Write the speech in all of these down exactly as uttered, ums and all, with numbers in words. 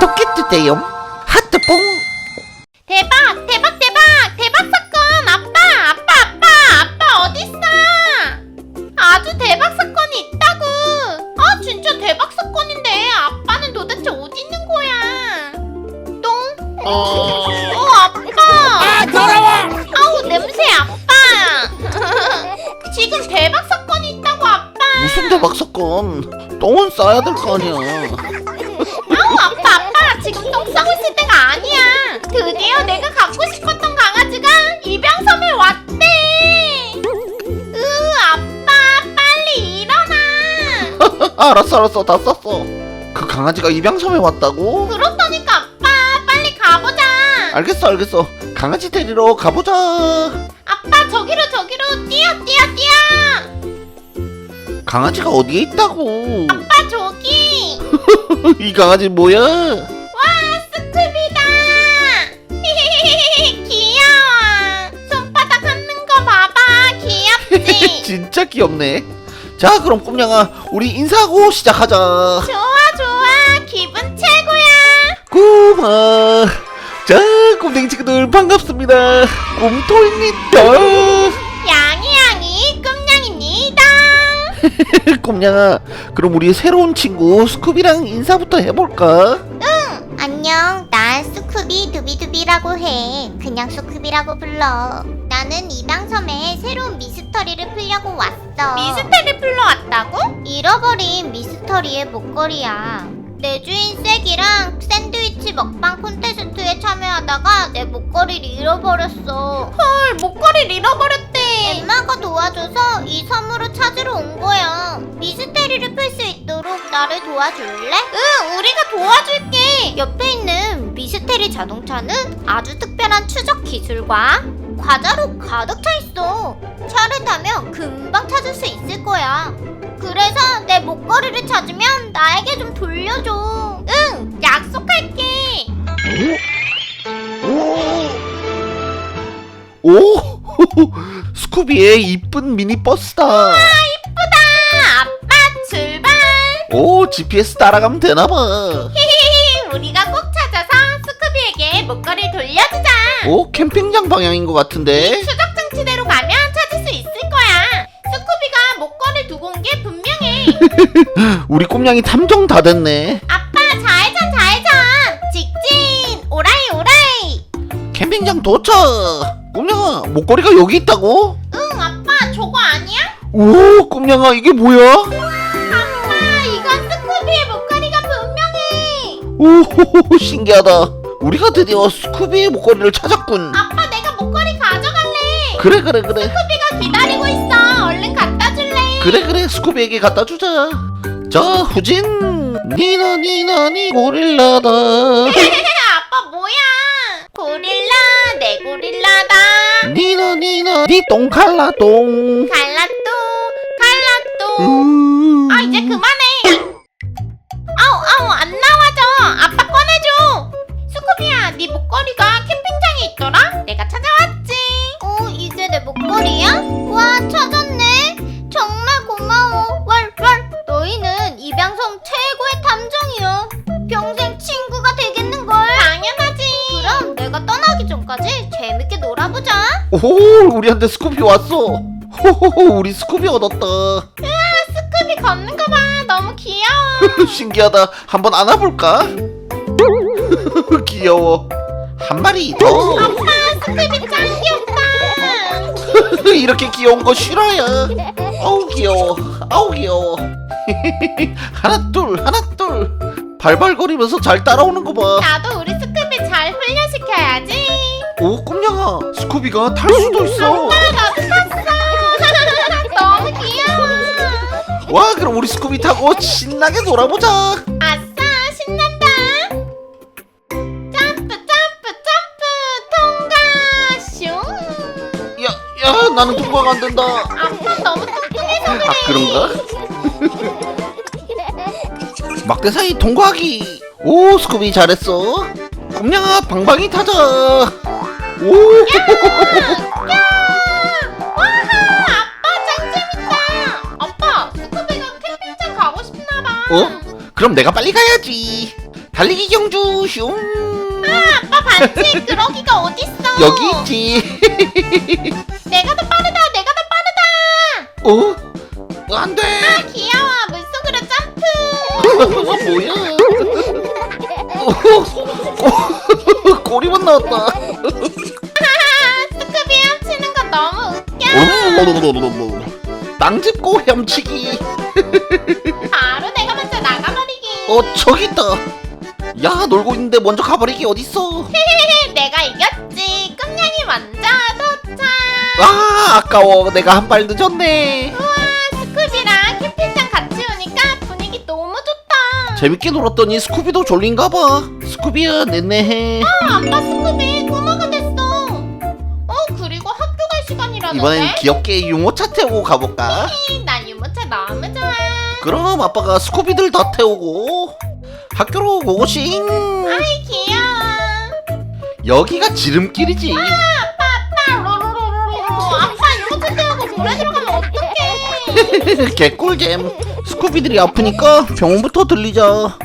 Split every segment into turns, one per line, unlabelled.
좋겠는데요. 하트뽕.
대박 대박 대박 대박 사건. 아빠 아빠 아빠 아빠 어딨어? 아주 대박 사건이 있다고. 아 진짜 대박 사건인데 아빠는 도대체 어디 있는 거야? 똥?
어...
어 아빠.
아 더러워.
아우 냄새 아빠. 지금 대박 사건이 있다고 아빠.
무슨 대박 사건? 똥은 싸야 될 거 아니야.
아우 아빠 아빠 지금 똥 싸고 있을 때가 아니야. 드디어 내가 갖고 싶었던 강아지가 입양섬에 왔대. 으 아빠 빨리 일어나.
알았어 알았어 다 쌌어. 그 강아지가 입양섬에 왔다고?
그렇다니까 아빠 빨리 가보자.
알겠어 알겠어. 강아지 데리러 가보자.
아빠 저기로 저기로 뛰어 뛰어 뛰어.
강아지가 어디에 있다고?
아빠 저기.
이 강아지 뭐야?
와 스쿠비다. 귀여워. 손바닥 핥는 거 봐봐. 귀엽지?
진짜 귀엽네. 자 그럼 꿈냥아 우리 인사하고 시작하자.
좋아 좋아 기분 최고야.
꿈아. 자 꿈댕이 친구들 반갑습니다. 꿈토입니다.
양이 양이 꿈냥입니다.
꿈냥아 그럼 우리 새로운 친구 스쿠비랑 인사부터 해볼까?
응 안녕 난 스쿠비 두비두비라고 해. 그냥 스쿠비라고 불러. 나는 입양섬에 새로운 미스터리를 풀려고 왔어. 미스터리 풀러 왔다고? 잃어버린 미스터리의 목걸이야. 내 주인 쐐기랑 샌드위치 먹방 콘테스트에 참여하다가 내 목걸이를 잃어버렸어. 헐 목걸이를 잃어버렸대. 엠마가 도와줘서 이 섬으로 찾으러 온 거야. 미스테리를 풀 수 있도록 나를 도와줄래? 응 우리가 도와줄게. 옆에 있는 미스테리 자동차는 아주 특별한 추적 기술과 과자로 가득 차 있어. 차를 타면 금방 찾을 수 있을 거야. 그래서 내 목걸이를 찾으면 나에게 좀 돌려줘. 응, 약속할게.
오 스쿠비의 이쁜 미니버스다.
아, 이쁘다. 아빠 출발.
오 지피에스 따라가면 되나봐.
히히히, 우리가 꼭 찾아서 스쿠비에게 목걸이를 돌려주자.
오 캠핑장 방향인 것 같은데.
추적 장치대로 가면 찾을 수 있을 거야. 스쿠비가 목걸이를 두고 온 게 분명해.
우리 꿈냥이 탐정 다 됐네.
아빠 좌회전 좌회전. 직진 오라이 오라이.
캠핑장 도착. 꿈냥아 목걸이가 여기 있다고?
응 아빠 저거 아니야?
오 꿈냥아 이게 뭐야?
아빠 이건 스쿠비의 목걸이가 분명해.
오 신기하다. 우리가 드디어 스쿠비의 목걸이를 찾았군.
아빠 내가 목걸이 가져갈래.
그래 그래 그래.
스쿠비가 기다리고 있어. 얼른 갖다 줄래.
그래 그래 스쿠비에게 갖다 주자. 자 후진. 니나 니나 니 고릴라다.
아빠 뭐야? 고릴라 내 고릴라다.
니나 니나 니 똥칼라 똥.
갈라또 갈라또.
음...
아 이제 그만해. 아우 아우 안 나와져. 아빠 꺼내줘. 스쿠비야 네 목걸이가 캠핑장에 있더라. 내가 찾아왔지. 어 이게 내 목걸이야? 와 찾았네. 정말 고마워. 왈왈 너희는 입양섬 최고의 탐정이야. 평생 친구가 되겠는걸. 당연하지. 그럼 내가 떠나기 전까지 재밌게 놀아보자.
오 우리한테 스쿠비 왔어. 호호호 우리 스쿠비 얻었다.
스쿠비 걷는 거 봐. 너무 귀여워.
신기하다. 한번 안아볼까? 귀여워. 한 마리 더.
아빠 스쿠비 짱 귀엽다.
이렇게 귀여운 거 싫어요. 아우 귀여워. 아우 귀여워. 하나 둘 하나 둘. 발발거리면서 잘 따라오는 거 봐.
나도 우리 스쿠비 잘 훈련시켜야지.
오 꿈냥아 스쿠비가 탈 수도 있어.
아, 나도 탔어. 너무 귀여워.
와 그럼 우리 스쿠비 타고 신나게 놀아보자.
아싸 신난다. 점프 점프 점프 통과 슝.
야, 야 나는 통과가 안 된다.
아빠 너무 뚱뚱해서 그래.
아 그런가? 막대사이 통과하기. 오 스쿠비 잘했어. 꿈냥아 방방이 타자. 오.
야! 와하! 아빠 짱 재밌다! 아빠, 스쿠비가 캠핑장 가고 싶나봐.
어? 그럼 내가 빨리 가야지. 달리기 경주 슝.
아빠 봤지? 그러기가 어딨어?
여기 있지.
내가 더 빠르다. 내가 더 빠르다.
어? 안돼.
아 귀여워. 물속으로 점프.
뭐야? 어, 꼬리만 나왔다.
하하, 스쿠비 헤엄치는 거 너무 웃겨.
땅 짚고 헤엄치기.
바로 내가 먼저 나가버리기.
어 저기 있다. 야 놀고 있는데 먼저 가버리기 어딨어.
내가 이겼지. 꿈냥이 먼저 도착.
아 아까워. 내가 한 발 늦었네.
우와, 스쿠비랑 캠핑장 같이 오니까 분위기 너무 좋다.
재밌게 놀았더니 스쿠비도 졸린가봐. 스쿠비야 내내해.
아, 아빠 스쿠비 꼬마가 됐어. 어, 그리고 학교 갈 시간이라는데?
이번엔 귀엽게 유모차 태우고 가볼까?
나 유모차 너무 좋아.
그럼 아빠가 스쿠비들 다 태우고 학교로 고고싱.
아이 귀여워.
여기가 지름길이지.
아빠 아빠 로로로로로. 아빠 유모차 태우고 물에 들어가면 어떡해.
개꿀잼. 스쿠비들이 아프니까 병원부터 들리자.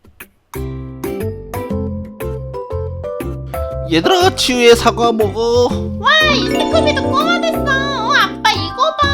얘들아 치유의 사과 먹어.
와, 이 스쿠비도 꼬마 됐어. 어, 아빠 이거 봐.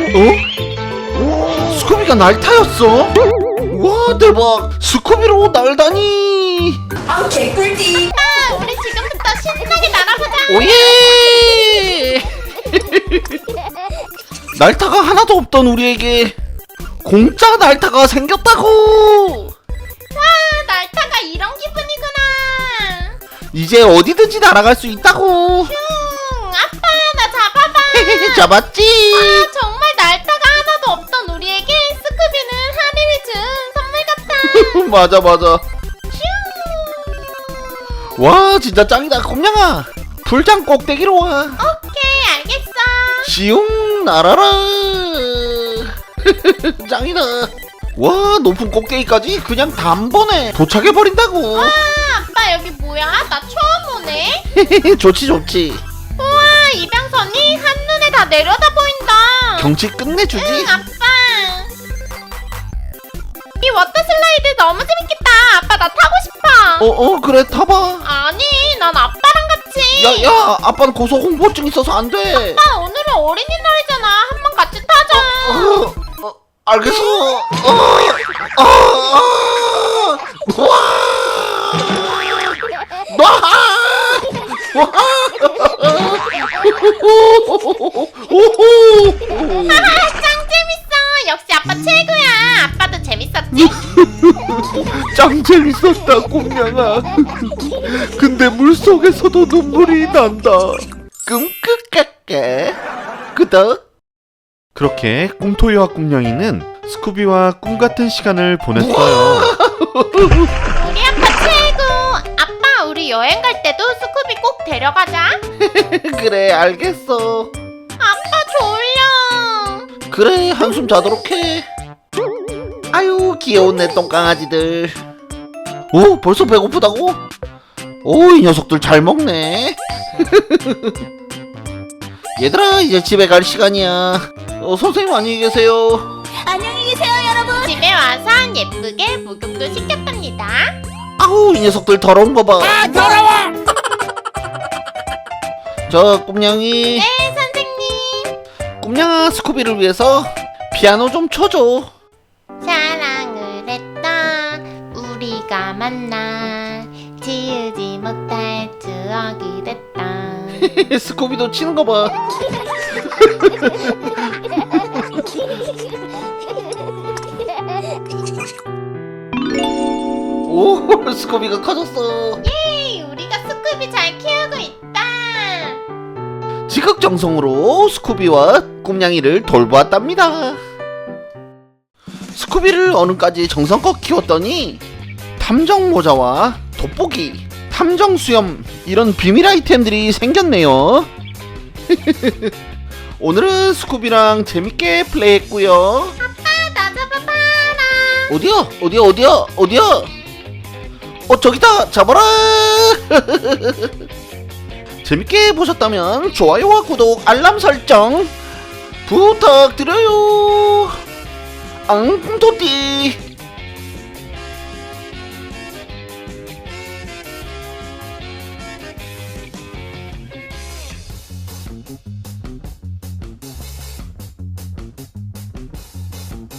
어? 스쿠비가 날타였어? 와 대박. 스쿠비로 날다니.
아 개꿀띠.
아, 우리 지금부터 신나게 날아보자.
오예. 날타가 하나도 없던 우리에게 공짜 날타가 생겼다고.
와, 날타가 이런 기분이구나.
이제 어디든지 날아갈 수 있다고.
슝, 아빠 나 잡아봐.
잡았지.
아, 정말 날타가 하나도 없던 우리에게 스쿠비는 하늘을 준 선물 같아.
맞아 맞아.
슝.
와 진짜 짱이다. 곰냥아 불장 꼭대기로 와.
오케이, 알겠어.
시웅 날아라. 짱이다. 와 높은 꼭대기까지 그냥 단번에 도착해버린다고.
아, 아빠 여기 뭐야? 나 처음 오네.
좋지 좋지.
우와, 이병선이 한눈에 다 내려다 보인다.
경치 끝내주지.
응, 아빠. 이 워터 슬라이드 너무 재밌겠다. 아빠 나 타고 싶어.
어어 그래 타봐.
아니, 난 아빠랑 같이.
야야 아빠는 고소 홍보증 있어서 안 돼.
아빠 오늘은 어린이날이잖아. 한번 같이 타자.
어, 어, 알겠어. 어, 어, 어, 와, 와, 와, 오호.
하하, 짱 재밌어. 역시 아빠 최고야. 아빠도 재밌었지?
짱 재밌었다 곰냥아. 근데 물속에서도 눈물이 난다. 끔끗깎게 끄덕. 그렇게 꿈토이와 꿈냥이는 스쿠비와 꿈같은 시간을 보냈어요.
우리 아빠 최고. 아빠 우리 여행 갈 때도 스쿠비 꼭 데려가자.
그래 알겠어.
아빠 졸려.
그래 한숨 자도록 해. 아유 귀여운 내 똥강아지들. 오 벌써 배고프다고? 오 이 녀석들 잘 먹네. 얘들아 이제 집에 갈 시간이야. 어, 선생님 안녕히 계세요.
안녕히 계세요 여러분.
집에 와서 예쁘게 목욕도 시켰답니다.
아우 이 녀석들 더러운 거 봐.
아 더러워.
저 꿈냥이.
네, 선생님.
꿈냥아 스쿠비를 위해서 피아노 좀 쳐줘.
사랑을 했다. 우리가 만나 지우지 못할 추억이 됐다.
스쿠비도 치는 거 봐. 오 스쿠비가 커졌어.
예이, 우리가 스쿠비 잘 키우고 있다.
지극정성으로 스쿠비와 꿈냥이를 돌보았답니다. 스쿠비를 어느까지 정성껏 키웠더니 탐정 모자와 돋보기, 탐정 수염 이런 비밀 아이템들이 생겼네요. 오늘은 스쿠비랑 재밌게 플레이했고요.
아빠 나 잡아봐라.
어디야? 어디야? 어디야? 어디야? 어 저기다 잡아라. 재밌게 보셨다면 좋아요와 구독, 알람 설정 부탁드려요. 앙토띠